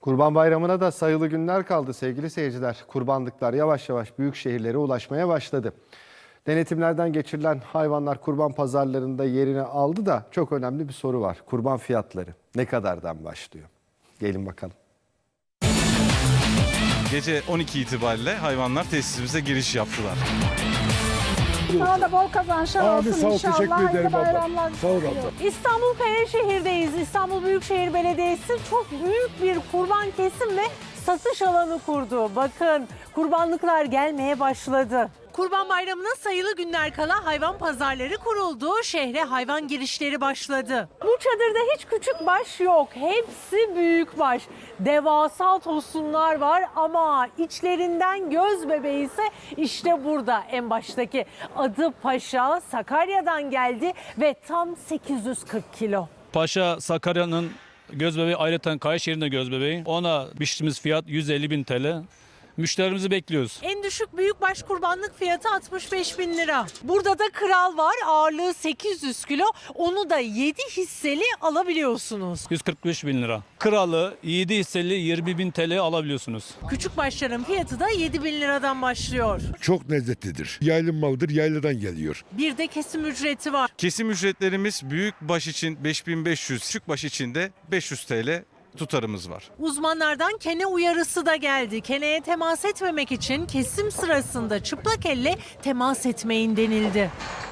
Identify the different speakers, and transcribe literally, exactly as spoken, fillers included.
Speaker 1: Kurban Bayramı'na da sayılı günler kaldı sevgili seyirciler. Kurbanlıklar yavaş yavaş büyük şehirlere ulaşmaya başladı. Denetimlerden geçirilen hayvanlar kurban pazarlarında yerini aldı da çok önemli bir soru var. Kurban fiyatları ne kadardan başlıyor? Gelin bakalım.
Speaker 2: Gece on iki itibariyle hayvanlar tesisimize giriş yaptılar.
Speaker 3: Sana da bol kazançlar
Speaker 4: Abi
Speaker 3: olsun
Speaker 4: sağ ol,
Speaker 3: inşallah.
Speaker 4: teşekkür ederim
Speaker 3: Hayırlı
Speaker 4: abla.
Speaker 3: bayramlar
Speaker 4: Sağ ol
Speaker 3: diliyorum.
Speaker 4: abla.
Speaker 5: İstanbul Kayaşehir'deyiz. İstanbul Büyükşehir Belediyesi çok büyük bir kurban kesim ve satış alanı kurdu. Bakın kurbanlıklar gelmeye başladı. Kurban Bayramı'na sayılı günler kala hayvan pazarları kuruldu. Şehre hayvan girişleri başladı. Bu çadırda hiç küçük baş yok. Hepsi büyük baş. Devasa tosunlar var ama içlerinden göz bebeği ise işte burada en baştaki. Adı Paşa, Sakarya'dan geldi ve tam sekiz yüz kırk kilo.
Speaker 6: Paşa Sakarya'nın göz bebeği, ayrıca Kayaşehir'in de göz bebeği. Ona biçtiğimiz fiyat yüz elli bin T L. Müşterimizi bekliyoruz.
Speaker 5: En düşük büyükbaş kurbanlık fiyatı altmış beş bin lira. Burada da kral var, ağırlığı sekiz yüz kilo. Onu da yedi hisseli alabiliyorsunuz.
Speaker 6: yüz kırk beş bin lira. Kralı yedi hisseli yirmi bin T L alabiliyorsunuz.
Speaker 5: Küçük başların fiyatı da yedi bin liradan başlıyor.
Speaker 4: Çok lezzetlidir. Yaylım malıdır, yayladan geliyor.
Speaker 5: Bir de kesim ücreti var.
Speaker 2: Kesim ücretlerimiz büyük baş için beş bin beş yüz, küçük baş için de beş yüz T L tutarımız var.
Speaker 5: Uzmanlardan kene uyarısı da geldi. Keneye temas etmemek için kesim sırasında çıplak elle temas etmeyin denildi.